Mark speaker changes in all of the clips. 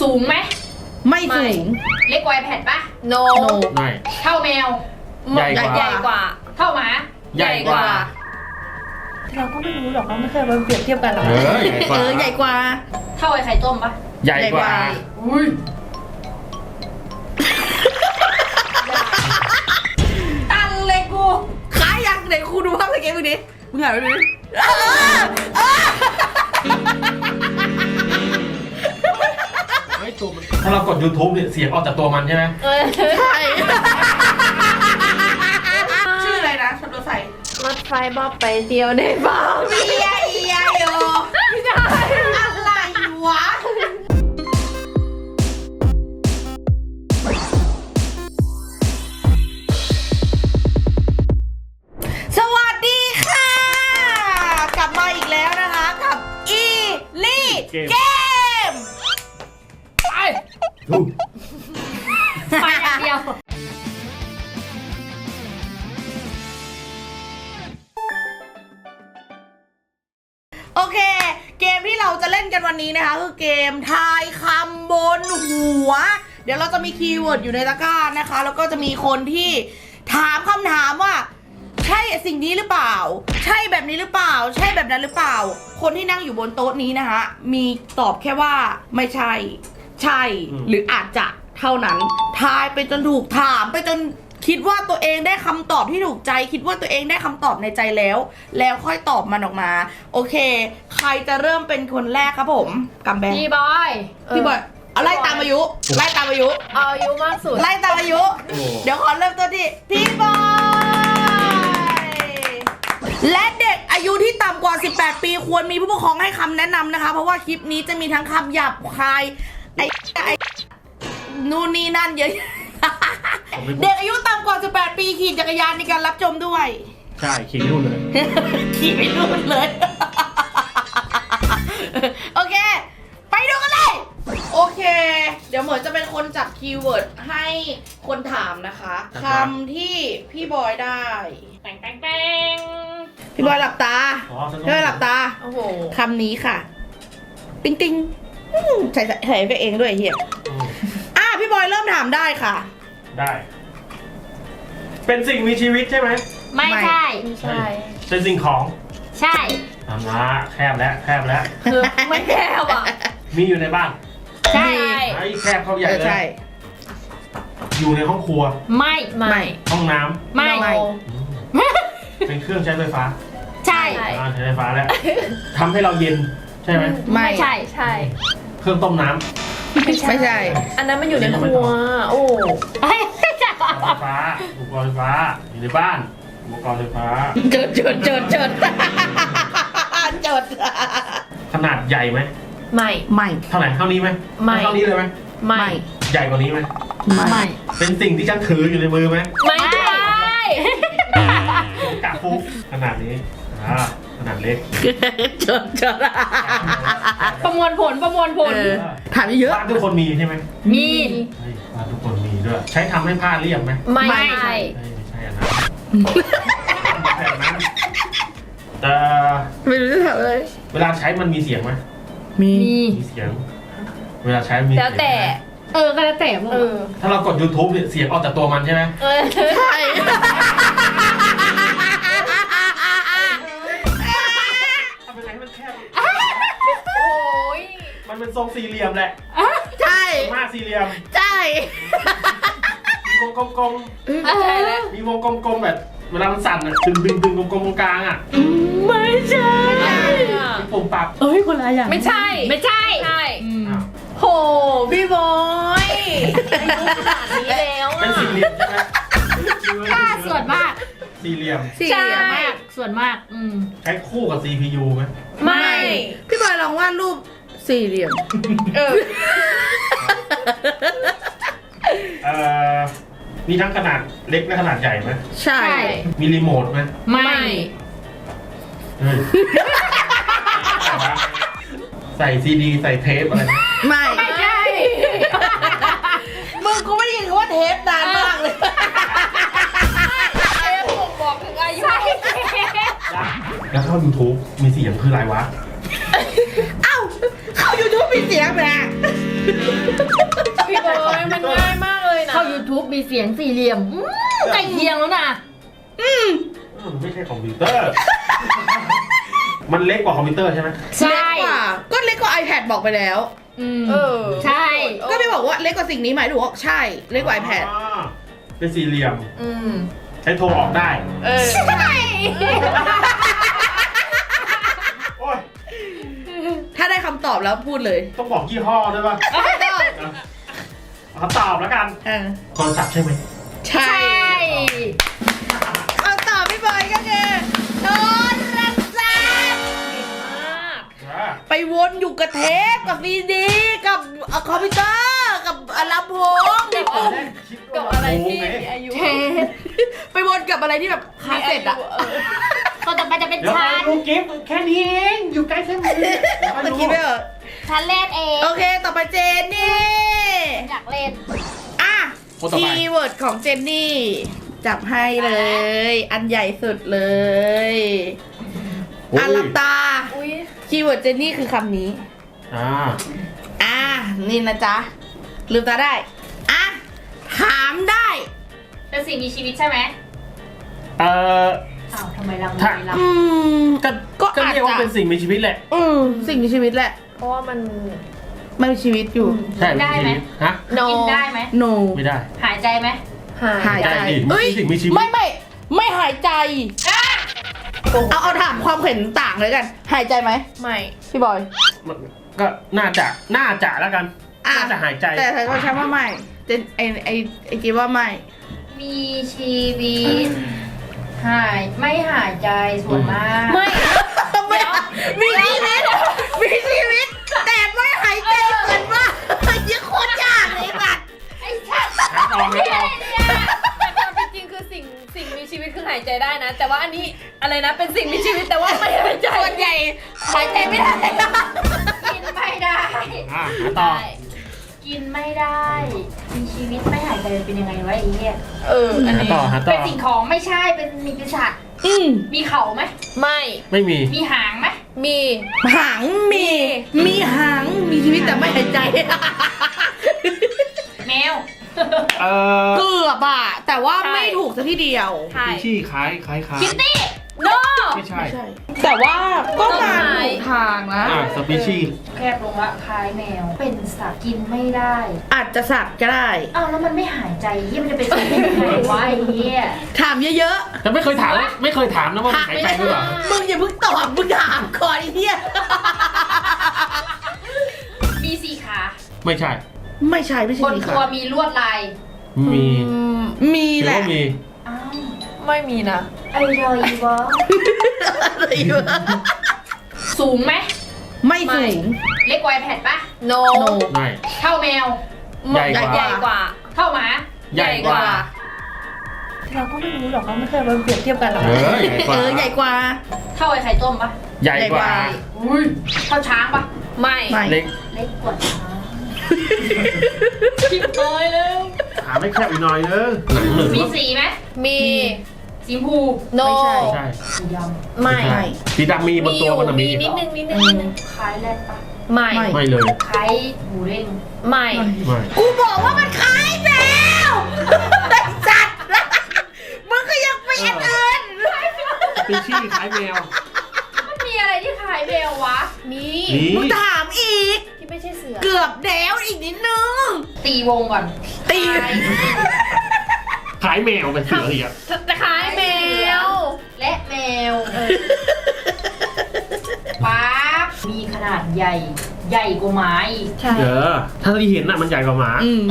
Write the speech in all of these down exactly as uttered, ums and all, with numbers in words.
Speaker 1: สูงไหม
Speaker 2: ไม่สูง
Speaker 1: เล็กกว่าไอแพดปะ
Speaker 3: โน
Speaker 4: ไม่
Speaker 1: เท่าแมว
Speaker 4: ใหญ่กว่า
Speaker 3: ใหญ่กว่า
Speaker 1: เท่าหมา
Speaker 4: ใหญ่กว่า
Speaker 2: เราก็ไม่รู้หรอกเราไม่เคยมาเปรียบเทียบกันหรอก
Speaker 4: เออใหญ่กว่า
Speaker 2: เออใหญ่กว่า
Speaker 1: เท่าไอไข่ต้มปะ
Speaker 4: ใหญ่กว่า
Speaker 1: อุ้ยตันเลยกู
Speaker 2: ขายยังไหนครูดูภาพสเก็ตมึงดิมึงหายไปดิ
Speaker 4: เฮ้ยตัวมันถ้าเรากด ยูทูบ เนี่ยเสียงออกจากตัวมันใช่ไหม
Speaker 2: ใช่ชื่ออะไรนะรถไฟ
Speaker 3: รถไฟบอกไปเที่ยวได้เปล่า
Speaker 2: เบียเอียโยไม่ได้อะไรวะสวัสดีค่ะกลับมาอีกแล้วนะคะกับอีลี่เกม
Speaker 1: ไปไปอย่างเดียว
Speaker 2: โอเคเกมที่เราจะเล่นกันวันนี้นะคะคือเกมทายคำบนหัวเดี๋ยวเราจะมีคีย์เวิร์ดอยู่ในตะกร้านะคะแล้วก็จะมีคนที่ถามคำถามว่าใช่สิ่งนี้หรือเปล่าใช่แบบนี้หรือเปล่าใช่แบบนั้นหรือเปล่าคนที่นั่งอยู่บนโต๊ะนี้นะคะมีตอบแค่ว่าไม่ใช่ใช่หรืออาจจะเท่านั้นทายไปจนถูกถามไปจนคิดว่าตัวเองได้คำตอบที่ถูกใจคิดว่าตัวเองได้คำตอบในใจแล้วแล้วค่อยตอบมันออกมาโอเคใครจะเริ่มเป็นคนแรกครับผมกัมแบง
Speaker 1: พี่บอย
Speaker 2: พี่บอยเอาไล่ตามอายุไล่ตามอายุ
Speaker 3: เอาอายุมากสุด
Speaker 2: ไล่ตามอายุเดี๋ยวขอเริ่มต้นที่พี่บอยและเด็กอายุที่ต่ำกว่าสิบแปดปีควรมีผู้ปกครองให้คำแนะนำนะคะเพราะว่าคลิปนี้จะมีทั้งคำหยาบคายไอ้ไอ้นู่นนี่นั่นเยอะเด็กอายุต่ำกว่าสิบแปดปีขี่จักรยานในการรับชมด้วย
Speaker 4: ใช่ขี่นู่นเลย
Speaker 2: ขี่ไปนู่นเลยโอเคไปดูกันเลยโอเคเดี๋ยวเหมือนจะเป็นคนจับคีย์เวิร์ดให้คนถามนะคะคำที่พี่บอยได้
Speaker 1: แป้งแป้งแป้ง
Speaker 2: พี่บอยหลับตาพี่บอยหลับตา
Speaker 3: โอ้โห
Speaker 2: คำนี้ค่ะปิ๊งปิ๊งใส่ใส่ไปเองด้วยเฮียอ่ะพี่บอยเริ่มถามได้ค่ะ
Speaker 4: ได้เป็นสิ่งมีชีวิตใช่ไหม
Speaker 1: ไม่ใช่
Speaker 3: ไม่ใช่
Speaker 4: เป็นสิ่งของ
Speaker 1: ใช่
Speaker 4: ทำละแคบแล้วแคบแล้ว
Speaker 3: คือไม่แคบอ่ะ
Speaker 4: มีอยู่ในบ้าน
Speaker 1: ใช่
Speaker 4: ไอ้แคบเข้าใหญ่เลยอยู่ในห้องครัว
Speaker 1: ไม่
Speaker 3: ไม่
Speaker 4: ห้องน้ำ
Speaker 1: ไม่
Speaker 4: เป็นเครื่องใช้ไฟฟ้า
Speaker 1: ใช่
Speaker 4: ใช้ไฟฟ้าแล้วทำให้เราเย็นใช่ไหม
Speaker 1: ไม่ใช่
Speaker 3: ใช่
Speaker 4: เครื่องต้มน้ำ
Speaker 2: ไม่ใช่
Speaker 3: อันนั้นมันอยู่ในครัวโอ้
Speaker 4: ไฟฟ้าอุปกรณ์ไฟฟ้าอยู่ในบ้านอุปกรณ์ไฟฟ้า
Speaker 2: เจิดเจิดเจิดเจิดเจิด
Speaker 4: ขนาดใหญ่ไหม
Speaker 3: ไม่
Speaker 2: ไม่
Speaker 4: เท่าไหร่เท่านี้ไหม
Speaker 3: ไม่
Speaker 4: เท่านี้เลยไหม
Speaker 3: ไม่
Speaker 4: ใหญ่กว่านี้ไหม
Speaker 2: ไม่
Speaker 4: เป็นสิ่งที่ฉันถืออยู่ในมือไหม
Speaker 3: ไม่ใช่
Speaker 4: กะฟุกขนาดนี้อ่าขนาดเล็ก
Speaker 2: เจิดเจิด
Speaker 1: ประมวลผลประมวลผล
Speaker 2: ถามเยอะ
Speaker 4: บ้านทุกคนมีใช่ไหม
Speaker 1: มี
Speaker 4: บ้านทุกคนมีด้วยใช้ทำให้ผ้าเรียบไหม
Speaker 1: ไม่
Speaker 3: ใช่
Speaker 4: ไม่ใช่อันนั้นไม่ใช่อันนั้นแต่
Speaker 2: ไม่รู้จะถามอะไร
Speaker 4: เวลาใช้มันมีเสียงไหม
Speaker 2: มี
Speaker 4: มีเสียงเวลาใช้มี
Speaker 1: แล้วแต่เออก็แล้วแต่เออ
Speaker 4: ถ้าเรากด ยูทูบ เนี่ยเสียงออกจากตัวมันใช่ไหม
Speaker 2: ใช่
Speaker 4: ทำยังไงให้มันแคบ
Speaker 1: โอ้ย
Speaker 4: มันเป็นทรงสี่เหลี่ยมแหละ
Speaker 2: ใช่
Speaker 4: มากสี่เหลี่ยม
Speaker 2: ใช่
Speaker 4: มีวงกลมๆใช่แล้วมีวงกลมๆแบบเวลามันสั่นอ่ะดึงดึงดึงกลมๆตรงกลางอ่ะ
Speaker 2: ไม่ใช่
Speaker 4: มีปุ่มปรับ
Speaker 2: เอ้ยคนละอย่าง
Speaker 1: ไม่ใช่ไม่ใช่ใช่
Speaker 2: โหพี่บอย
Speaker 3: อายุขนาดนี้แล้ว
Speaker 4: เป็นสี่เหลี่ยมใช่ไหม
Speaker 1: ค่าส่วนมาก
Speaker 4: สี่เหลี่ยม
Speaker 1: ใช่ส่วนมากอืม
Speaker 4: ใช้คู่กับ ซี พี ยู ไหม
Speaker 2: ไม่พี่บอยลองวาดรูปสี่เหลี่ยมเออ
Speaker 4: เอ่อมีทั้งขนาดเล็กและขนาดใหญ่ไหม
Speaker 2: ใช่
Speaker 4: มีรีโมทไหม
Speaker 1: ไม่
Speaker 4: ใส่ซีดีใส่เทปอะไร
Speaker 2: ไม่
Speaker 1: ไม่ใช่
Speaker 2: มึงกูไม่ได้ยินคำว่าเทปนานมากเลย
Speaker 1: เทปผมบอกถึงอายุ
Speaker 4: แล้วเข้า ยูทูบ มีเสียงคืออะไรวะ
Speaker 2: เอ้าเข้า ยูทูบ มีเสียงแหม
Speaker 3: ทุบมีเสียงสี่เหลี่ยมอืมใกล้เคียงแล้วนะ
Speaker 2: อืม
Speaker 4: อืมไม่ใช่คอมพิวเตอร์ มันเล็กกว่าคอมพิวเตอร์ใช่ไหม
Speaker 3: ใช่
Speaker 2: เล็กกว่าก็เล็กกว่า iPad บอกไปแล้ว
Speaker 1: เออ
Speaker 3: ใช่
Speaker 2: ก็ไม่บอกว่าเล็กกว่าสิ่งนี้ไหมหรือว่าใช่เล็กกว่า iPad
Speaker 4: อ๋อเป็นสี่เหลี่ยม
Speaker 1: อืม
Speaker 4: ใช้โทรออกได้
Speaker 1: เออ
Speaker 3: ใช่
Speaker 4: โอ้ย
Speaker 2: ถ้าได้คำตอบแล้วพูดเลย
Speaker 4: ต้องบอกยี่ห้อด้วยป่ะเขาตอบแล้วกัน
Speaker 2: เออ
Speaker 4: โทรศัพท์ใช่ไหม
Speaker 2: ใช่
Speaker 3: ใช่
Speaker 2: คำตอบพี่บอยก็คือโทรศัพท์
Speaker 4: อ่า
Speaker 2: ไปวนอยู่กับเทปกับซีดีกับคอมพิวเตอร์กับลำโพง
Speaker 4: ตอนแรกคิด
Speaker 1: กั
Speaker 4: ว่า
Speaker 1: บอะไรที่
Speaker 4: โงง
Speaker 1: มี
Speaker 4: ไง
Speaker 1: อายุ
Speaker 2: เทปไปวนกับอะไรที่แบบคาสเซ็ตอะ
Speaker 3: ก็ต่อไปจะเป็น
Speaker 4: เดี๋ยว
Speaker 3: ชั้
Speaker 4: ไป
Speaker 3: น
Speaker 4: ดูกิฟต์แค่นี้เองอยู่ใกล้แค่นี้เดี๋ยวไป
Speaker 2: เมื่อ
Speaker 4: ดู
Speaker 2: กี้ไม่เหรอ
Speaker 3: ชั้นเล่นเอง
Speaker 2: โอเค ต่อไปเจนนี่
Speaker 3: อยากเล่น
Speaker 2: อ่ะ
Speaker 4: คนต่อ
Speaker 2: คี
Speaker 4: ไป
Speaker 2: ย์เวิร์ดของเจนนี่ จับให้เลย อันใหญ่สุดเลย
Speaker 4: โอ้ย
Speaker 2: อ่ะหลับตา
Speaker 1: อุ้ย
Speaker 2: คีย์เวิร์ดเจนนี่คือคำนี้
Speaker 4: อ่า
Speaker 2: อ่ะ นี่นะจ๊ะ ลืมตาได้ อ่ะ ถามได้
Speaker 3: เป็นสิ่งมีชีวิตใช่ไหม
Speaker 4: เอ่อ
Speaker 3: อ้าวทำไมลัง
Speaker 4: ถ้า
Speaker 3: ไม่ลัง
Speaker 2: อืม
Speaker 4: ก็
Speaker 2: ก็
Speaker 4: ก็
Speaker 2: อาจ
Speaker 4: เรียกว่า
Speaker 2: จะ
Speaker 4: เป็นสิ่งมีชีวิตแหละ
Speaker 2: อืมสิ่งมีชีวิตแหละ
Speaker 1: เพราะว่ามัน
Speaker 2: มันมีชีวิตอยู่
Speaker 4: ใช่
Speaker 3: ได้ไหม
Speaker 4: ชีวิตฮะ
Speaker 1: no
Speaker 3: กินได้ไหม
Speaker 2: no
Speaker 4: ไม่ได้
Speaker 3: หายใจไหม
Speaker 1: หาย
Speaker 2: หายใจ
Speaker 4: ได้ดิ
Speaker 2: เอ้ย
Speaker 4: สิ่งมีชีวิต
Speaker 2: ไม่ไม่ไม่หายใจ เอาเอาถามความเห็นต่างเลยกัน หายใจไหม
Speaker 1: ไม่
Speaker 2: พี่บอย
Speaker 4: มันก็น่าจะน่าจะแล้วกัน
Speaker 2: อ่ะ
Speaker 4: น่าจะหายใจ
Speaker 2: แต่เธอก็ใช้ว่าไม่เจนไอไอไอกีว่าไม่
Speaker 3: มีชีวิต หายไม่หายใจส่วนมาก
Speaker 1: ไม่
Speaker 2: ไม่มีชีวิตมีชีวิต แต่ไม่หายใจเหมือนว่ายิ่งโคตรยากเลยแบบ
Speaker 3: ไอ้ชัด
Speaker 4: หาต่อหาต่อ
Speaker 1: แต่ความเป็นจริงคือสิ่งสิ่งมีชีวิตคือหายใจได้นะ แต่ว่าอันนี้อะไรนะเป็นสิ่งมีชีวิตแต่ว่าไม่หายใจ
Speaker 2: ส่วนใหญ่หายใจไม่ได้
Speaker 3: กินไม่ได้
Speaker 4: อ่ะหาต่อ
Speaker 3: กินไม่ได้ มีชีวิตไม่หายใจเป็นยังไงวะไอ้เหี้ย
Speaker 1: เอออัน
Speaker 4: หา
Speaker 1: นี้
Speaker 4: ต่อหาต่
Speaker 3: เป็
Speaker 4: อน
Speaker 3: สิ่งของไม่ใช่เป็นมีปีศาจ
Speaker 2: อืม
Speaker 3: มีเขาไหม
Speaker 1: ไม่
Speaker 4: ไม่มี
Speaker 3: มีหางไหม
Speaker 1: มี
Speaker 2: หางมี มีหางมีชีวิตแต่ไม่หายใจ
Speaker 3: แมว
Speaker 4: เอ่อ
Speaker 2: เกือบอะแต่ว่าไม่ถูกสักทีเดียว
Speaker 1: ใช่
Speaker 4: มีชื่อคล้ายคล้ายคล้าย
Speaker 3: คิตตี้
Speaker 1: no
Speaker 4: ไม่ใช่
Speaker 2: แต่ว่าก็มาถูกทางนะ
Speaker 4: อ่าสปีชีส์
Speaker 3: แคบลงละคล้ายแมว เป็นสัตว์กินไม่ได้
Speaker 2: อาจจะสัตว์ก็ได้
Speaker 3: อ้าวแล้วมันไม่หายใจเหี้ยมันจะเป็นสัตว์ได้ยังไงวะไอ้เหี้ย
Speaker 2: ถามเยอะ
Speaker 4: แต่ไม่เคยถาม ไม่เคยถามนะว่ามันหายใจหรือเปล่า
Speaker 2: ๆ มึงอย่าเพิ่งตอบมึงถามก่อนไอ้เหี้ย
Speaker 3: มีสี่ขา
Speaker 4: ไม่ใช่
Speaker 2: ไม่ใช่ไม่ใช่
Speaker 3: บน
Speaker 2: นี่
Speaker 3: ตัว
Speaker 2: ค่ะ
Speaker 3: มีลวดลาย
Speaker 4: มี
Speaker 1: อืม
Speaker 2: มีแหละ
Speaker 4: ถือว่ามี
Speaker 3: อ้าว
Speaker 1: ไม่มีนะ
Speaker 3: ไอ้รอยวะ
Speaker 2: อะไรวะ
Speaker 3: สูงไหม
Speaker 2: ไม่สูง
Speaker 3: เล็กกว่าไอแพดปะ
Speaker 1: no
Speaker 2: โน
Speaker 4: ไม่
Speaker 3: เท่าแมว
Speaker 4: ใหญ่กว่า
Speaker 1: ใหญ่กว่า
Speaker 3: เท่าหมา
Speaker 4: ใหญ่กว่า
Speaker 1: เราก็ไม่รู้หรอกเราไม่เคยมาเปรียบเทียบกันหรอก
Speaker 4: เออใหญ่กว่า
Speaker 2: เออใหญ่กว่า
Speaker 3: เท่าไอไข่ต้มปะ
Speaker 4: ใหญ่กว่า
Speaker 3: อุ้ยเท่าช้างปะ
Speaker 1: ไม่
Speaker 2: ไม่
Speaker 4: เล็ก
Speaker 3: เล็กกว่าช้าง
Speaker 1: คิดน้อยแล้ว
Speaker 4: หาไม่แคบอีกหน่อยเนอะหนังหนึ่ง
Speaker 3: มี
Speaker 4: แล้ว
Speaker 3: สีไหม
Speaker 1: มี
Speaker 3: สีชมพู
Speaker 1: no
Speaker 2: ไม่ใช่
Speaker 4: ใช่
Speaker 3: สีด
Speaker 1: ไม่
Speaker 2: ไม่
Speaker 4: สีดำมีบนตัวมันนะมี
Speaker 1: นิดนึงนิดนึงนิดนึง
Speaker 3: ำคล้ายแรดปะ
Speaker 1: ไม่
Speaker 2: ไม่
Speaker 4: ไม่เลย
Speaker 3: คล้ายหมูเด้ง
Speaker 1: ไม่
Speaker 4: ไม่
Speaker 2: กูบอกว่ามันคล้ายแมวไอ้สัตว์มึงก็ยังไปอันอื่น
Speaker 4: สปีชีส์คล้ายแมว
Speaker 3: มันมีอะไรที่คล้ายแมววะ
Speaker 1: มี
Speaker 4: มี
Speaker 2: มึงถามอีก
Speaker 1: ที่ไม่ใช่เสือ
Speaker 2: เกือบแล้วอีกนิดนึง
Speaker 3: ตีวงก่อน
Speaker 2: ตี
Speaker 3: คล้าย
Speaker 4: คล้ายแมวเป็นเสืออีกอ่ะ
Speaker 1: จะคล้ายแมว
Speaker 3: และแมวปั๊บมีขนาดใหญ่ ใหญ่กว่าหมาอีก
Speaker 1: ใช่
Speaker 4: เออถ้าที่เห็นน่ะมันใหญ่กว่าหมา
Speaker 2: อืม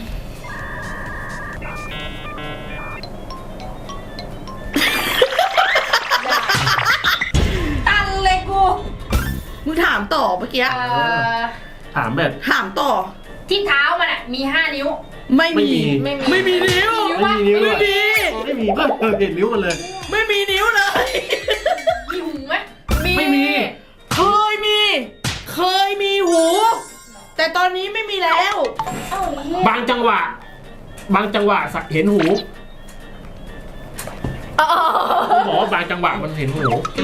Speaker 3: ตันเลยกู
Speaker 2: มึงถามต่อเมื่อกี้
Speaker 3: เอ่อ
Speaker 4: ถามแบบ
Speaker 2: ถามต่อ
Speaker 3: ที่เท้ามันอ่ะมีห้านิ้ว
Speaker 2: ไม่มี
Speaker 1: ไม่มี
Speaker 2: ไม่มีนิ้ว
Speaker 4: ไม่มีนิ้ว
Speaker 2: ไม่
Speaker 4: เลย
Speaker 2: มี
Speaker 4: ไม่มีก็เออเห็นนิ้วมันเลย
Speaker 2: ไม่มีนิ้วเลย
Speaker 3: มีหูไหม
Speaker 4: ไม่มี
Speaker 2: เคยมี เคยมีหู แต่ตอนนี้ไม่มีแล้ว
Speaker 3: เอ้าเหี้ย
Speaker 4: บางจังหวะ บางจังหวะสักเห็นหู
Speaker 1: อ๋อ
Speaker 4: บอกว่าบางจังหวะมันเห็นหู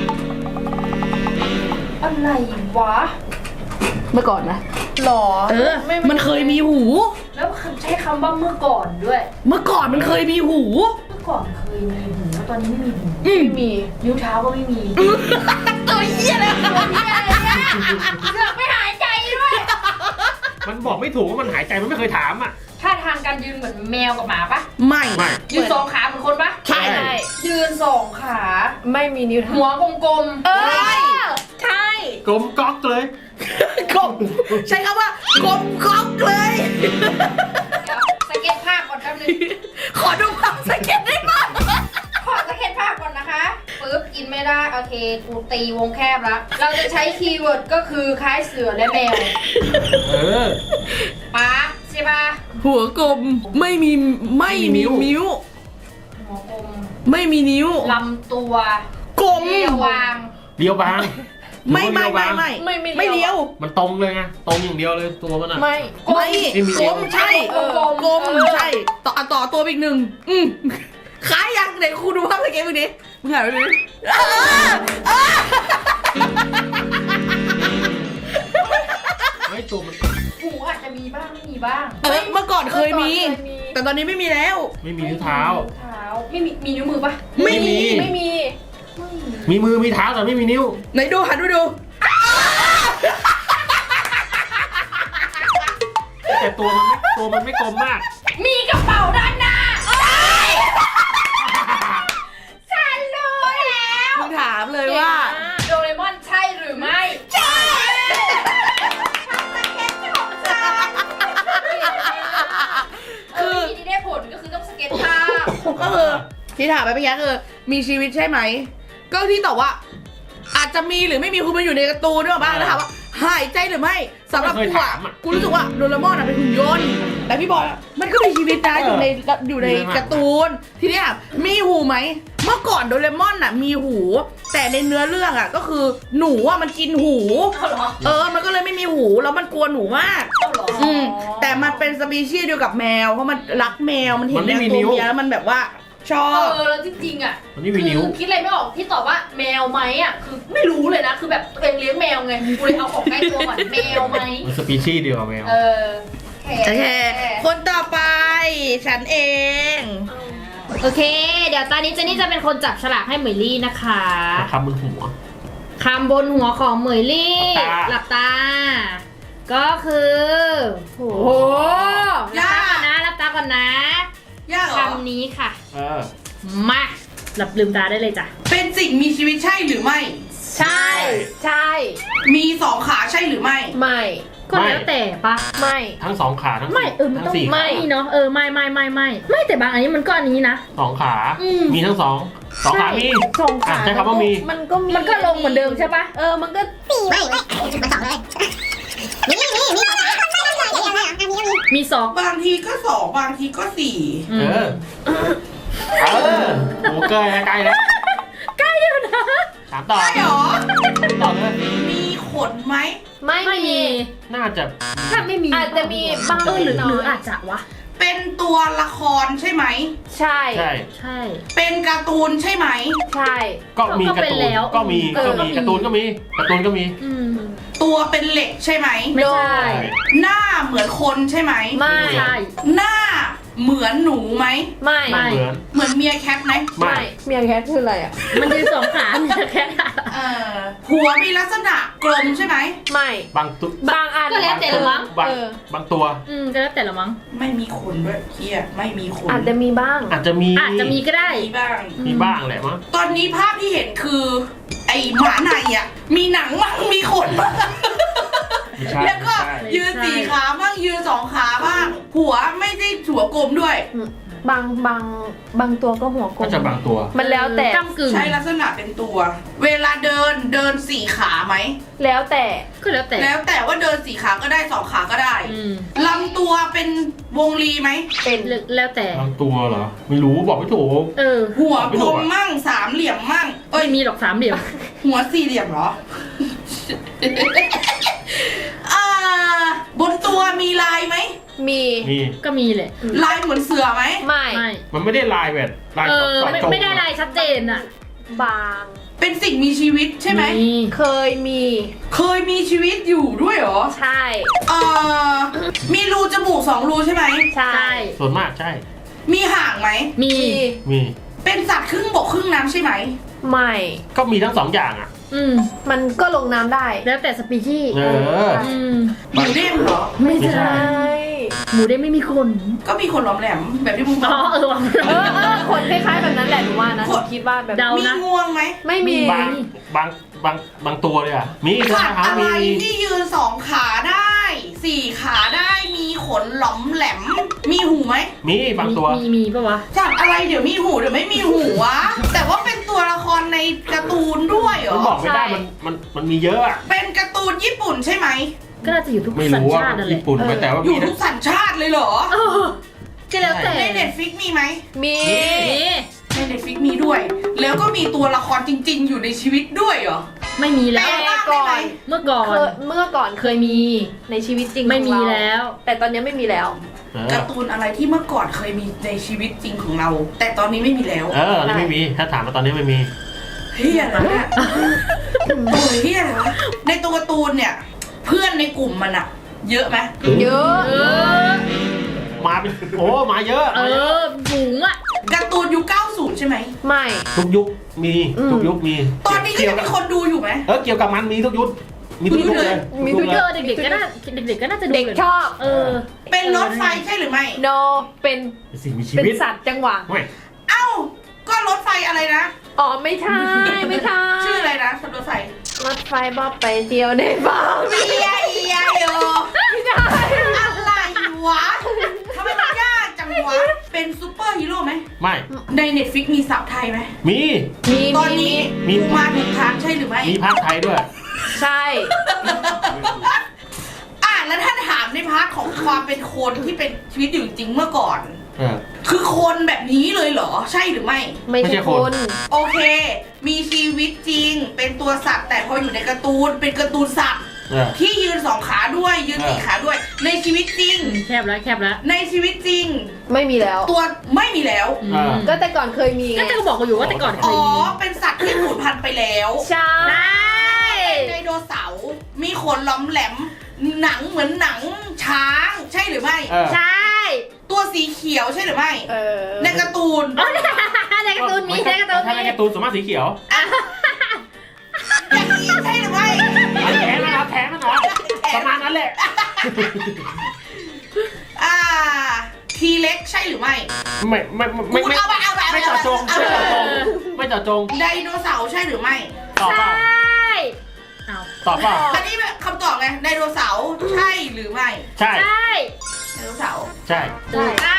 Speaker 3: อะไรวะ
Speaker 2: เมื่อก่อนนะ
Speaker 1: หรอ
Speaker 2: เออ
Speaker 1: ไ
Speaker 2: มันเคยมีหู
Speaker 3: แล้วใช้คำว่าเมื่อก่อนด้วย
Speaker 2: เมื่อก่อนมันเคยมีหู
Speaker 3: เมื่อก่อนเคยมีหูแล้วตอนนี้ไม่มีหู
Speaker 2: อืม
Speaker 1: ไม่มี
Speaker 3: นิ้วเท้าก็ไม่มี
Speaker 2: ตัวเหี้ยเลย
Speaker 3: ตัวเหี้ยอะไรเนี่ยเสือกไม่หายใจด้วย
Speaker 4: มันบอกไม่ถูกว่ามันหายใจมันไม่เคยถามอ่ะ
Speaker 3: ท่าทางการยืนเหมือนแมวกับหมาปะ
Speaker 2: ไม่
Speaker 4: ไม่
Speaker 3: ยืนสองขาเหมือนคนปะ
Speaker 2: ใช่
Speaker 1: ใช่
Speaker 3: ยืนสองขา
Speaker 1: ไม่มีนิ้วเท้า
Speaker 3: หัวกลม
Speaker 1: เอ
Speaker 2: ใช่
Speaker 1: อใช่
Speaker 4: กลมก๊อกเลย
Speaker 2: กบใช้คำว่ากลมก๊อกเลย
Speaker 3: ๆเดี๋ยวสเก็ตภาพก่อนแป๊บนึง
Speaker 2: ขอดูความสเก็ตได้ไหม
Speaker 3: ขอสเก็ตภาพก่อนนะคะปึ๊บกินไม่ได้โอเคกูตีวงแคบแล้วเราจะใช้คีย์เวิร์ดก็คือคล้ายเสือและแมว
Speaker 4: เออ
Speaker 3: ป๊าใช่ปะ
Speaker 2: หัวกลมไม่มีไม่มี
Speaker 4: ไม่มีนิ้
Speaker 2: นิ้ว
Speaker 4: ว
Speaker 3: หัวกลม
Speaker 2: ไม่มีนิ้ว
Speaker 3: ลำตัว
Speaker 2: กลม
Speaker 3: เรียววาง
Speaker 4: เดียวบาง
Speaker 2: ไม่ไม่
Speaker 4: เดียว
Speaker 2: ไม่
Speaker 4: บาง
Speaker 2: ไม่
Speaker 1: ไม่ไม่
Speaker 2: ไม่เลี้ยว
Speaker 4: มันตรงเลยไงตรงอย่างเดียวเลยตัวมันอ่ะ
Speaker 1: ไม่
Speaker 2: ไม่
Speaker 4: ไม่มี
Speaker 2: กลมใช่
Speaker 3: เออก
Speaker 2: ลมใช่ต่อต่อตัวไปอีกหนึ่งอืมคล้ายยังเดี๋ยวครูดูภาพสเก็ตมึงดิมึงหายไปดิเออเออ
Speaker 4: ไม่ตัวมัน
Speaker 3: หูอาจจะมีบ้างไม่มีบ้าง
Speaker 2: เออเมื่อก่อนเคยมี
Speaker 1: เมื่อก่อนเคยมี
Speaker 2: แต่ตอนนี้ไม่มีแล้ว
Speaker 4: ไม่มีนิ้วเท้า
Speaker 3: เท้าไม่มีมีนิ้วมือปะ
Speaker 2: ไม่มี
Speaker 1: ไม่มี
Speaker 4: มีมือมีเท้าแต่ไม่มีนิ้ว
Speaker 2: ไหนดูหันดูดู
Speaker 4: แต่ตัวมันไม่ตัวมันไม่กลมมาก
Speaker 3: มีกระเป๋าด้านหน้าฉันรู้แล้ว
Speaker 2: มึงถามเลยว่า
Speaker 3: โดเรมอนใช่หรือไม่ใช่คือวิธีที่ได้ผลก็คือต้องสเก็ตภาพ
Speaker 2: ก็คือที่ถามไปเมื่อกี้คือมีชีวิตใช่ไหม ก็ที่ตอบว่า อาจจะมีหรือไม่มีคือมันอยู่ในการ์ตูนด้วยบ้างแล้วถามว่าหายใจหรือไม่สำหรับ
Speaker 4: ไม่
Speaker 2: กู
Speaker 4: เคย
Speaker 2: อะ
Speaker 4: ถามอะ
Speaker 2: กูรู้สึกว่าโดเรมอนอะเป็นหุ่นยนต์แต่พี่บอยอะมันก็มีชีวิตนะอยู่ในอยู่ในการ์ตูนทีนี้อะมีหูไหมเมื่อก่อนโดเรมอนอะมีหู แต่ในเนื้อเรื่องอะก็คือหนูอะมันกินหู
Speaker 3: เอาเหรอ
Speaker 2: เออ มันก็เลยไม่มีหูแล้วมันกลัวหนูมาก
Speaker 3: เอาเหรอ
Speaker 2: อืมแต่มันเป็นสปีชีส์เดียวกับแมวเพราะมันรักแมวมันเห็น
Speaker 4: มันไม่
Speaker 2: แมว
Speaker 4: มี
Speaker 2: ตัว
Speaker 4: นิ้ว
Speaker 2: เมียแล้วมันแบบว่าชอ
Speaker 3: เอบ อแล้วจริงๆอ่ะ
Speaker 4: มันไม่มีนิ้ว
Speaker 3: คือคิดอะไรไม่ออกที่ตอบว่าแมวไหมอ่ะคือไม่รู้เลยนะคือแบบตัวเองเลี้ยงแมวไงกูเลยเอาของใกล้ตัวก่อนแมวไหม
Speaker 4: มันสปีชีส์เดียวกับแมว
Speaker 3: เออ
Speaker 2: โอเค คนต่อไป ฉันเอง
Speaker 3: โอเค เดี๋ยวตอนนี้เจนนี่จะเป็นคนจับฉลากให้เหมยลี่นะคะ
Speaker 4: คำบนหัว
Speaker 3: คำบนหัวของเหมยลี่
Speaker 4: ห
Speaker 3: ห
Speaker 4: ลั
Speaker 3: ลั
Speaker 4: บบ ตา
Speaker 3: ตา ก็คือโหหลับตาก่อนนะหลับตาก่อนนะ
Speaker 2: ยากเหรอ
Speaker 3: คำนี้ค่ะ
Speaker 4: เออ
Speaker 3: มาหลับลืมตาได้เลยจ้ะ
Speaker 2: เป็นสิ่งมีชีวิตใช่หรือไม่
Speaker 1: ใช่ ใช่
Speaker 2: มีสองขาใช่หรือไม่
Speaker 1: ไม่
Speaker 3: ก็แล้วแต่ปะ
Speaker 1: ไม่
Speaker 4: ทั้งสองขาทั้ง
Speaker 3: ไม่เออมัน
Speaker 4: ทั้
Speaker 3: ต้อง
Speaker 4: งสี่
Speaker 1: ไม่
Speaker 3: ไม่เนาะเออไม่ไม่ไม่ไม่ไม่แต่บางอันนี้มันก็อันนี้นะ
Speaker 4: สองขา
Speaker 3: อืม
Speaker 4: มีทั้งสองสองขามี
Speaker 1: สองขา
Speaker 4: อ่ะใช้คำว่ามี
Speaker 1: มันก็มี
Speaker 3: มันก็ลงเหมือนเดิมใช่ปะ
Speaker 1: เออ มันก็
Speaker 5: ไม่ไม่มันสองเลยนี่นี่นี่มีสองขาไม่ไม่ไม่อย่างไรอ่ะมีก็มี
Speaker 3: มีสอง
Speaker 2: บางทีก็สองบางทีก็สี่
Speaker 3: อื
Speaker 4: เอ
Speaker 3: ม
Speaker 4: อ เออโอ้เกยใกล้แล้ว
Speaker 3: ใกล้อยู่นะ
Speaker 4: ถามต่อ
Speaker 2: ใช่หรอ
Speaker 4: ต่อเลย
Speaker 2: มีขนไหม
Speaker 1: ไม่
Speaker 3: ไม่มี
Speaker 4: น่าจะ
Speaker 3: ถ้าไม่มี
Speaker 1: อาจจะมีบาง
Speaker 3: เออหรือ
Speaker 1: น้อย
Speaker 3: หรืออาจจะวะ
Speaker 2: เป็นตัวละครใช่ไหม
Speaker 1: ใช่
Speaker 4: ใช่
Speaker 3: ใช่
Speaker 2: เป็นการ์ตูนใช่ไหม
Speaker 1: ใช่
Speaker 4: ก็มี
Speaker 3: ก็
Speaker 4: การ์
Speaker 3: เป็น
Speaker 4: ตูน
Speaker 3: แล้ว
Speaker 4: ก็มี
Speaker 3: เออ
Speaker 4: ก็มี
Speaker 3: ก็มี
Speaker 4: การ์ตูนก็มีการ์ตูนก็มี
Speaker 3: อืม
Speaker 2: ตัวเป็นเหล็กใช่ไหม
Speaker 3: ไม่ใช่
Speaker 2: หน้าเหมือนคนใช่ไหม
Speaker 1: ไม่
Speaker 3: ใช่
Speaker 2: หน้าเหมือนหนูไหม
Speaker 1: ไม่
Speaker 3: ไม่
Speaker 4: เหมือน
Speaker 2: เหมือนเมียแคทไหม
Speaker 4: ไม่
Speaker 1: เมียแคทคืออะไรอ่ะ
Speaker 3: มันยืนสองขามีแค่
Speaker 2: เออหัวมีลักษณะกลมใช่ไหม
Speaker 1: ไม่
Speaker 4: บางตัว
Speaker 1: บางอัน
Speaker 3: ก็แล้วแต่ละมั้ง
Speaker 4: บาง
Speaker 1: เออ
Speaker 4: บางตัว
Speaker 3: อืมก็แล้วแต่ละมั้ง
Speaker 2: ไม่มีขนด้วยเฮียไม่มีขน
Speaker 1: อาจจะมีบ้าง
Speaker 4: อาจจะมี
Speaker 3: อาจจะมีก็ได้
Speaker 2: มีบ้าง
Speaker 4: มีบ้างแหละมั้ง
Speaker 2: ตอนนี้ภาพที่เห็นคือ ไอหมาในอ่ะ มีหนังมั่งมีขนบ้าง
Speaker 4: ไม่ใช่
Speaker 2: แล้วก็
Speaker 4: ไม่ใช่
Speaker 2: ยืนสี่ขาบ้างยืนสองขาบ้าง หัวไม่ได้หัวกลมด้วย
Speaker 1: บางบางบางตัวก็หัวกล
Speaker 4: ก็
Speaker 1: ม
Speaker 4: จะบางตัว
Speaker 1: มันแล้วแต่
Speaker 3: กำกึ่ง
Speaker 2: ใช้ลักษณะเป็นตัว เวลาเดินเดินสี่ขาไหม
Speaker 1: แล้วแต่
Speaker 3: ก็แล้วแต่
Speaker 2: แล้วแต่ว่าเดินสี่ขาก็ได้สองขาก็ได้
Speaker 3: อืม
Speaker 2: ลำตัวเป็นวงรีไหม
Speaker 1: เป็น
Speaker 3: แล้วแต่
Speaker 4: บางตัวเหรอ ไม่รู้บอกไม่ถูก
Speaker 3: เออ
Speaker 2: หัว
Speaker 4: ไม่
Speaker 2: ก
Speaker 4: ถู
Speaker 2: ล
Speaker 4: ก
Speaker 2: ม
Speaker 4: อะ
Speaker 2: มั่งสามเหลี่ยมมั่งเอ้
Speaker 3: ไม่
Speaker 2: ย
Speaker 3: มีหรอกสามเหลี่ยม
Speaker 2: หัวสี่เหลี่ยมเหรอ อ่าบนตัวมีลายไหม
Speaker 1: มี
Speaker 4: มี
Speaker 3: ก็มีแหละ
Speaker 2: ลายเหมือนเสือไหม
Speaker 1: ไม่
Speaker 3: ไม่
Speaker 4: มันไม่ได้ลายแบบลาย
Speaker 3: เออ
Speaker 4: จอด
Speaker 3: ไม่
Speaker 4: จง
Speaker 3: ไม่ได้ลายชัดเจนอะ
Speaker 1: บาง
Speaker 2: เป็นสิ่งมีชีวิตใช่ไหม
Speaker 6: มี
Speaker 1: เคยมี
Speaker 2: เคยมีชีวิตอยู่ด้วยเหรอ
Speaker 1: ใช่
Speaker 2: เอ่อมีรูจมูกสองรูใช่ไหม
Speaker 1: ใช่
Speaker 6: ใช่
Speaker 4: ส่วนมากใช่
Speaker 2: มีห่างไหม
Speaker 6: มี
Speaker 4: มี
Speaker 2: เป็นสัตว์ครึ่งบกครึ่งน้ำใช่ไหม
Speaker 1: ไม่
Speaker 4: ก็มีทั้งสองอย่างอ่ะ
Speaker 6: อืม
Speaker 1: มันก็ลงน้ำได้
Speaker 6: แล้วแต่สปีชีส์
Speaker 4: เออ
Speaker 6: อืม
Speaker 2: หมูเด้งเหรอ
Speaker 6: ไม่
Speaker 4: ไม่ใช่
Speaker 6: ใช่หมูเด้งไม่มีขน
Speaker 2: ก็มีคนหลอมแหลมแบบที่มึงบ
Speaker 6: อ๋
Speaker 2: อ
Speaker 6: อก เออว่ะ
Speaker 1: เออเออคนคล้ายๆแบบนั้นแหละหนูว่านะหนูคิดว่าแบบ
Speaker 6: เดา
Speaker 2: มี
Speaker 6: นะ
Speaker 2: งวงไหม
Speaker 1: ไม่มี
Speaker 4: บางบางบางบางตัวเลยอ่ะ มีใช่
Speaker 2: สั
Speaker 4: ไหม
Speaker 2: ตว์
Speaker 4: ครับ
Speaker 2: อะไร
Speaker 4: มี
Speaker 2: ที่ยืนสองขาได้สี่ขาได้มีขนหลอมแหลม มีหูไหม
Speaker 4: มีบางตัว
Speaker 6: มีมีปะวะ
Speaker 2: สัตว์อะไรเดี๋ยวมีหูเดี๋ยวไม่มีหูวะ แต่ว่าเป็นตัวละครในการ์ตูนด้วยเหร
Speaker 4: มัน
Speaker 2: อ
Speaker 4: บอกไม่ได้มันมันมันมีเยอะอะ
Speaker 2: เป็นการ์ตูนญี่ปุ่นใช่ไหม
Speaker 6: ก็น่าจะอยู่ทุก
Speaker 4: ไม่
Speaker 6: สัญ
Speaker 4: รู้ว่า
Speaker 6: ชาตินั่นแหละ
Speaker 4: ญี่ปุ่นไปแต่ว่า
Speaker 2: อ
Speaker 4: มี
Speaker 2: ยู่
Speaker 4: นะ
Speaker 2: ทุกสัญชาติเลยเหรอ
Speaker 6: เออก็แล้วแต่
Speaker 2: ในเน็ตฟิกมีไหม
Speaker 1: มี
Speaker 6: มี
Speaker 2: ในเน็ตฟิกมีด้วย แล้วก็มีตัวละครจริง ๆ อยู่ในชีวิตด้วยเหรอ
Speaker 6: ไม่มีแล้ว
Speaker 2: แปลร่างได้ไหม
Speaker 6: เมื่อก่อน
Speaker 1: เคยเมื่อก่อนเคยมีในชีวิตจริง
Speaker 6: ไม่มี
Speaker 1: ของเรา
Speaker 6: แล้ว
Speaker 1: แต่ตอนนี้ไม่มีแล้ว
Speaker 4: เออ
Speaker 2: การ์ตูนอะไรที่เมื่อก่อนเคยมีในชีวิตจริงของเรา แต่ตอนนี้ไม่มีแล้ว
Speaker 4: เอออันนี้ไม่มี ถ้าถามมาตอนนี้ไม่มี
Speaker 2: เฮียอะไรเนี่ยโอ้ยเฮียอะไรวะในตัวการ์ตูนเนี่ย เพื่อนในกลุ่มมันอะเยอะไหม
Speaker 1: เยอะ
Speaker 6: เออ
Speaker 4: มาเป็นโอ้มาเยอะ
Speaker 6: เออฝูงอ่ะ
Speaker 2: การ์ตูนยุคเก้าสิบใช่ไหม
Speaker 1: ไม่
Speaker 4: ทุกยุคมี
Speaker 1: อืม
Speaker 4: ทุกยุคมี
Speaker 2: ตอนนี้ก็
Speaker 4: เกี่ย
Speaker 2: ยั
Speaker 4: ว
Speaker 2: ง
Speaker 4: กับ
Speaker 2: มีคนดูอยู่ไหม
Speaker 4: เออเกี่ยวกับมันมีทุกยุคมีทุกยุคเลย
Speaker 1: มี
Speaker 4: ทุก
Speaker 1: ทุ
Speaker 4: ยุ
Speaker 1: ก
Speaker 4: ค
Speaker 1: ยุ
Speaker 4: เล
Speaker 1: ค
Speaker 4: ย
Speaker 6: เด็กๆก็น่าเด็กๆก็น่าจะดู
Speaker 1: เด็กชอบ
Speaker 6: เออ
Speaker 2: เป็นรถไฟใช่หรือไม่
Speaker 1: no เป็น
Speaker 4: สิ่งมีชี
Speaker 1: เป็น
Speaker 4: วิต
Speaker 1: สัตว์จังหวะ
Speaker 4: ไม่
Speaker 2: เอ้า ก็รถไฟอะไรนะ
Speaker 1: อ๋อไม่ใช่ไม่ใช่
Speaker 2: ชื่ออะไรนะรถไฟ
Speaker 1: รถไฟบอบไปเที่ยวในบ้าน
Speaker 2: เอียเอียโย
Speaker 1: ไม่ใช่
Speaker 2: อะไรวะทำไมมันยากจังวะ เป็นซูเปอร์ฮีโร่ไหม
Speaker 4: ไม่
Speaker 2: ในเน็ตฟิกมีสับไทยไหม
Speaker 4: มี
Speaker 1: มี
Speaker 2: ตอนนี้
Speaker 4: มี
Speaker 2: กูมาถูกทางใช่หรือไม่
Speaker 4: มีภาคไทยด้วย
Speaker 1: ใช่
Speaker 2: อ่ะแล้วถ้าถามในพาร์ทของความเป็นคนที่เป็นชีวิตอยู่จริงเมื่อก่อน
Speaker 4: เออ
Speaker 2: คือคนแบบนี้เลยเหรอ ใช่หรือไม่
Speaker 1: ไม่
Speaker 4: ไม่ใช่
Speaker 1: ใช่
Speaker 4: ค
Speaker 1: คน น
Speaker 2: โอเค มีชีวิตจริง เป็นตัวสัตว์ แต่พออยู่ในการ์ตูน เป็นการ์ตูนสัตว์
Speaker 4: เออ
Speaker 2: ที่ยืนสองขาด้วย ยืนสี่
Speaker 4: เออ
Speaker 2: ขาด้วย ในชีวิตจริง
Speaker 6: แคบแล้วแคบแล้ว
Speaker 2: ในชีวิตจริง
Speaker 1: ไม่มีแล้ว
Speaker 2: ตัวไม่มีแล้ว
Speaker 6: อื
Speaker 4: เออ
Speaker 6: ม
Speaker 1: ก็แต่ก่อนเคยมีไง
Speaker 6: ก็จะบอกอยู่ว่าแต่ก่อนเค
Speaker 2: อ๋
Speaker 6: ย
Speaker 2: อ
Speaker 6: มี
Speaker 2: เป็นสัตว์ที่สูญพันธุ์ไปแล้ว
Speaker 1: ใช่
Speaker 2: ไดโนเสาร์มีขนล้อมแหลม หนังเหมือนหนังช้าง ใช่หรือไม่
Speaker 4: เออ
Speaker 6: ใช่
Speaker 2: ตัวสีเขียวใช่หรือไม่
Speaker 1: เออ
Speaker 2: ในการ์ตูน
Speaker 6: ในการ์ตูนมีในการ์ตูน
Speaker 4: ถ้าใน
Speaker 6: มี
Speaker 4: การ์ตูนส่วนมากสีเขียว
Speaker 2: อย่างนี้ใช่หรือไม่
Speaker 4: อันแท้นะครับแท้มันเหรอประมาณนั้นแหละ
Speaker 2: อ่า ทีเล็กใช่หรือไม่
Speaker 4: ไม่ไม่ไม่
Speaker 2: กู
Speaker 4: ไม่
Speaker 2: เอาไปเอาไปเอาไป
Speaker 4: ไม่เจาะจง
Speaker 2: เอา
Speaker 4: ไม่
Speaker 2: ไป
Speaker 4: เจาะจงไม่เจาะจง
Speaker 2: ไดโนเสาร์ใช่หรือไม่
Speaker 4: ตอบเปล่า
Speaker 6: เอา
Speaker 4: ตอบเปล่า
Speaker 2: อันนี้แบบคำตอบไง ไดโนเสาร์ใช่หรือไม่
Speaker 4: ใช่
Speaker 6: ใช่
Speaker 2: ไดโนเสาร์
Speaker 4: ใช่
Speaker 1: ใช่
Speaker 2: อ่า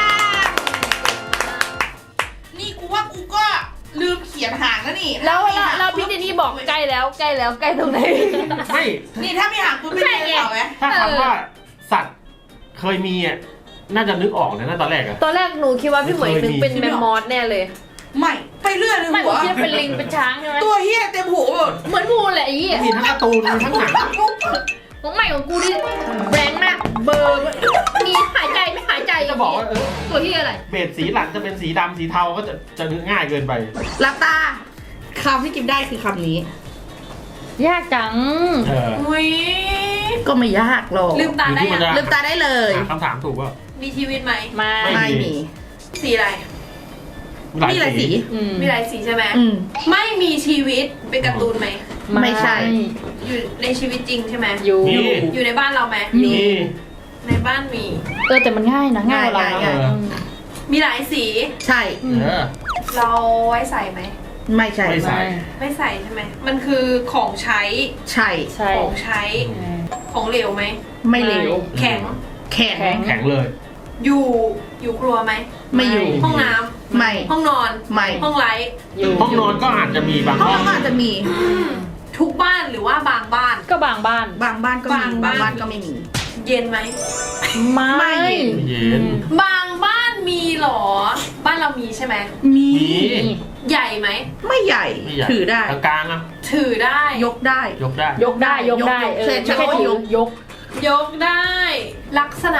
Speaker 2: นี่กูว่ากูก็ลืมเขียนหางแล้วนี่
Speaker 1: แล้วแล้วแล้วพี่เจนี่บอกใกล้แล้วใกล้แล้วใกล้ตรงไหน
Speaker 4: ไม่
Speaker 2: นี่ถ้ามีหางกูเป็นไดโนเสาร์ไหม
Speaker 4: ถ้าคำว่าสัตว์เคยมีอ่ะน่าจะนึกออกนะตอนแรกอะ
Speaker 1: ตอนแรกหนูคิดว่าพี่เหมยนึกเป็นแมมมอสแน่เลย
Speaker 2: ไม่ไปเรื่อยเลย
Speaker 6: ไม่
Speaker 2: หั
Speaker 6: ผม
Speaker 2: ว
Speaker 6: คิดว่าเป็นลิงเป็นช้างใช่ไหม
Speaker 2: ตัวเฮียเต็มหัวหมด
Speaker 6: เหมือนงูแหละไอ้เหี้ย
Speaker 4: มีทั้งการ์ตูนมีทั้งหนัง
Speaker 6: ของใหม่ของกูนี่แบงค์มากเบอร์มีหายใจไม่หายใจ
Speaker 4: จะบอกว่าเออ
Speaker 6: ตัวที่อะไร
Speaker 4: เบสสีหลังจะเป็นสีดำสีเทาก็จะจะนึกง่ายเกินไป
Speaker 2: หลับตาคำที่กินได้คือคำนี้
Speaker 6: ยากจัง
Speaker 4: เออ
Speaker 2: อุ้ยก็ไม่ยากหรอก
Speaker 1: ลืมตาได้ยัง
Speaker 2: ลืมตาได้เลย
Speaker 4: หาคำถามถูกป่ะ
Speaker 1: มีชีวิตไหม
Speaker 6: มา
Speaker 4: ไม่
Speaker 2: ไม่มี สีอะไร มีหลายสี
Speaker 6: อืม
Speaker 1: มีหลายสีใช่ไหม
Speaker 2: อืม
Speaker 1: ไม่มีชีวิตเป็นการ์ตูนไหม
Speaker 2: ไม่ใช่
Speaker 1: อยู่ในชีวิตจริงใช่ไหม
Speaker 6: อยู่
Speaker 4: มี
Speaker 1: อยู่ในบ้านเราไหม
Speaker 6: มี
Speaker 4: มี
Speaker 1: ในบ้านมี
Speaker 6: เออแต่มันง่ายนะง่ายกว่าเรา
Speaker 2: ง่าย
Speaker 6: นะ
Speaker 1: มีหลายสี
Speaker 2: ใช่
Speaker 4: เออ
Speaker 1: เราไว้ใส่ไหม
Speaker 2: ไม่ใช่
Speaker 4: ไม่ใส่
Speaker 1: ไม่ใส่ใช่ไหมมันคือของใช้
Speaker 2: ใช่
Speaker 6: ใช่
Speaker 1: ของใช้ของเหลวไหม
Speaker 2: ไม่เหลว
Speaker 1: แข็ง
Speaker 2: แข็ง
Speaker 6: แข็ง
Speaker 4: แข็งเลย
Speaker 1: อยู่อยู่ครัวไหม
Speaker 2: ไม่อยู่
Speaker 1: ห้องน้ำ
Speaker 2: ไม่
Speaker 1: ห้องนอน
Speaker 2: ไม่
Speaker 1: ห้องไลท์
Speaker 6: อยู่
Speaker 4: ห้องนอนก็อาจจะมีบาง
Speaker 2: ห้อง
Speaker 4: ห้อง
Speaker 2: น้ำอาจจะมี
Speaker 1: ทุกบ้านหรือว่าบางบ้าน
Speaker 6: ก็บางบ้าน
Speaker 2: บางบ้านก็มี
Speaker 1: บาง
Speaker 2: บา
Speaker 1: บ้าน
Speaker 2: งบ้านก็ไม่มี
Speaker 1: เย็นไหม
Speaker 6: ไม่
Speaker 2: ไม่เย็น
Speaker 4: เย็น
Speaker 1: บางบ้านมีเหรอ บ้านเรามีใช่ไหม
Speaker 2: มี
Speaker 4: มี
Speaker 1: ใหญ่ไหม
Speaker 2: ไม่ใหญ่
Speaker 4: ไม่ใหญ่
Speaker 2: ถือได้
Speaker 4: กลางๆอ่ะ
Speaker 1: ถือได้
Speaker 2: ยกได้
Speaker 4: ยกได้
Speaker 6: ยกได้ยกได้
Speaker 2: ยก
Speaker 6: เออ
Speaker 2: เสร็จ
Speaker 6: ไม่ใช่
Speaker 2: แล้วก็
Speaker 6: ถือย
Speaker 2: ก
Speaker 6: ยก
Speaker 1: ยกได้ ลักษณะ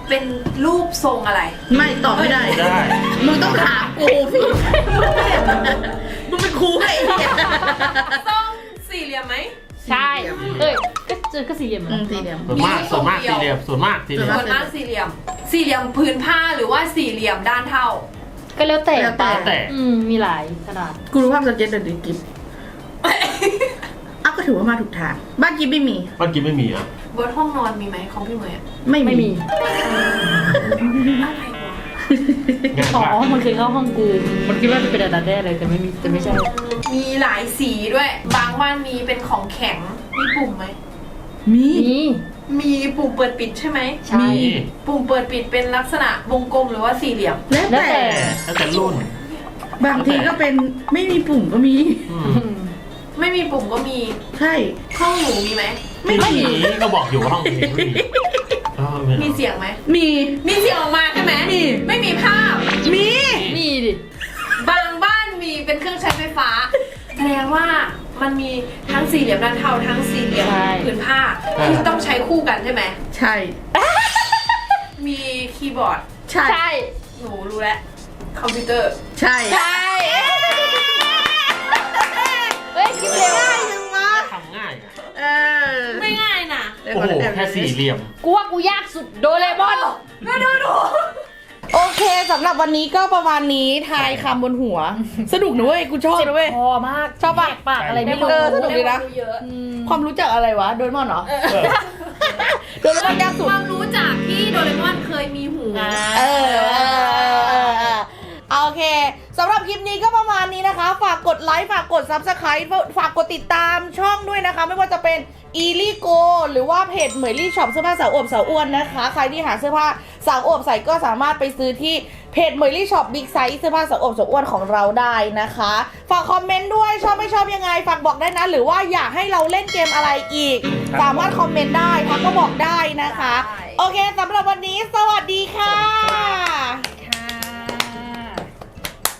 Speaker 1: เป็นรูปทรงอะไร
Speaker 2: ไม่ตอบไม่ได้
Speaker 4: ได้
Speaker 2: มึงต้องถามกูพี่มึงเป็นครูให้ไอ้เหี้ย
Speaker 1: ทรงสี่เหลี่ยมไหม
Speaker 6: ใช่ เอ้ย ก็เจอก็สี่เหลี่ยม
Speaker 2: อืมสี่เหลี่ยม
Speaker 4: ส่วนมากส่วนมากสี่เหลี่ยมส่วนมากสี่เหลี่ยม
Speaker 1: ส่วนมากสี่เหลี่ยม สี่เหลี่ยมพื้นผ้าหรือว่าสี่เหลี่ยมด้านเท่า
Speaker 6: ก็แล้วแต่
Speaker 2: แล้วแต่
Speaker 4: แต่
Speaker 6: อืม มีหลายขนาด
Speaker 2: กูรู้ภาพสเก็ตเดินดิกิฟอ้าวก็ถือว่ามาถูกทาง บ้านกิฟไม่มี
Speaker 4: บ้านกินไม่มีอ่ะ
Speaker 1: บนห้องนอนมีไหมของพี่เหมยอะ
Speaker 2: ไม่
Speaker 6: ไม่มี
Speaker 1: อะไรวะ
Speaker 4: งาน
Speaker 6: อ๋อ
Speaker 4: บ้าน
Speaker 6: มันเคยเข้าห้องกู มันคิดว่าจะเป็นอันนั้นแน่เลยแต่ไม่มีแต่ไม่ใช่
Speaker 1: มีหลายสีด้วย บางบ้านมีเป็นของแข็ง มีปุ่มไหม
Speaker 2: มี
Speaker 6: มี
Speaker 1: มีปุ่มเปิดปิดใช่ไหม
Speaker 6: ใช่
Speaker 4: มี
Speaker 1: ปุ่มเปิดปิดเป็นลักษณะวงกลมหรือว่าสี่เหลี่ยม
Speaker 2: แล้ว
Speaker 6: แล้ว
Speaker 2: แต่
Speaker 6: แต่
Speaker 4: แล้วแต่รุ่น
Speaker 2: บางทีก็เป็นไม่มีปุ่มก็มี
Speaker 4: อืม
Speaker 1: ไม่มีปุ่มก็มี
Speaker 2: ใช่
Speaker 1: ห้องหนูมีไหม
Speaker 2: ไม่
Speaker 4: ไม่
Speaker 2: มี
Speaker 4: มีก็บอกอยู่ว่าห้องนี้ไม่มีเออไม่
Speaker 1: มี
Speaker 4: เอา
Speaker 1: เสียงไหม
Speaker 2: มี
Speaker 1: มีเสียงออกมาใช่ไหม
Speaker 2: มี
Speaker 1: ไม่มีภาพ
Speaker 2: มี
Speaker 6: มีดิ
Speaker 1: บางบ้านมีเป็นเครื่องใช้ไฟฟ้า แสดงว่ามันมีทั้งสี่เหลี่ยมด้านเท่าทั้งสี่เหลี่ยมผืนผ้าที่ต้องใช้คู่กันใช่ไหม
Speaker 2: ใช่
Speaker 1: มีคีย์บอร์ด
Speaker 2: ใช่
Speaker 6: ใช่
Speaker 1: หนูรู้แล้ว คอมพิวเตอร์
Speaker 2: ใช่
Speaker 6: ใช่ เฮ้ยคิดเร็ว
Speaker 2: ง่ายจังวะ
Speaker 4: ทำง่ายอะ
Speaker 2: เออ
Speaker 1: ไม่ง่ายนะ
Speaker 2: เดี๋ยว
Speaker 4: โอ้
Speaker 2: ก่อน
Speaker 4: โห
Speaker 2: เดี๋ยว
Speaker 4: แค่สี่เหลี่ยม
Speaker 6: กูว่ากูยากสุดโดเรมอน
Speaker 1: มาดูดู
Speaker 2: โอเคสำหรับวันนี้ก็ประมาณนี้ทายคำบนหัว สนุกนะเว้ย กูชอบ
Speaker 6: เจ็บ
Speaker 2: นะเว้ย
Speaker 6: คอมาก
Speaker 2: ชอบปะ
Speaker 6: แหกปากอะไรไม่รู้
Speaker 2: เออสนุกดีนะ
Speaker 1: เยอะ
Speaker 6: อืม
Speaker 2: ความรู้จักอะไรวะ โดเรมอนเหรอ โดเรมอนยากสุด
Speaker 1: ความรู้จากที่โดเรมอนเคยมีหู
Speaker 6: อ่า
Speaker 2: เออเออเออเออเออโอเคสำหรับคลิปนี้ก็ประมาณนี้นะคะ ฝากกดไลค์ฝากกด ซับสไครบ์ ฝากกดติดตามช่องด้วยนะคะ ไม่ว่าจะเป็นอีลี่โกหรือว่าเพจเหมยลี่ช็อปเสื้อผ้าสาวอวบสาวอ้วนนะคะ ใครที่หาเสื้อผ้าสาวอวบใส่ก็สามารถไปซื้อที่เพจเหมยลี่ช็อปบิ๊กไซส์เสื้อผ้าสาวอวบสาวอ้วนของเราได้นะคะ ฝากคอมเมนต์ด้วยชอบไม่ชอบยังไงฝากบอกได้นะ หรือว่าอยากให้เราเล่นเกมอะไรอีก สามารถคอมเมนต์ได้ทักก็บอกได้นะคะ โอเคสำหรับวันนี้สวัสดี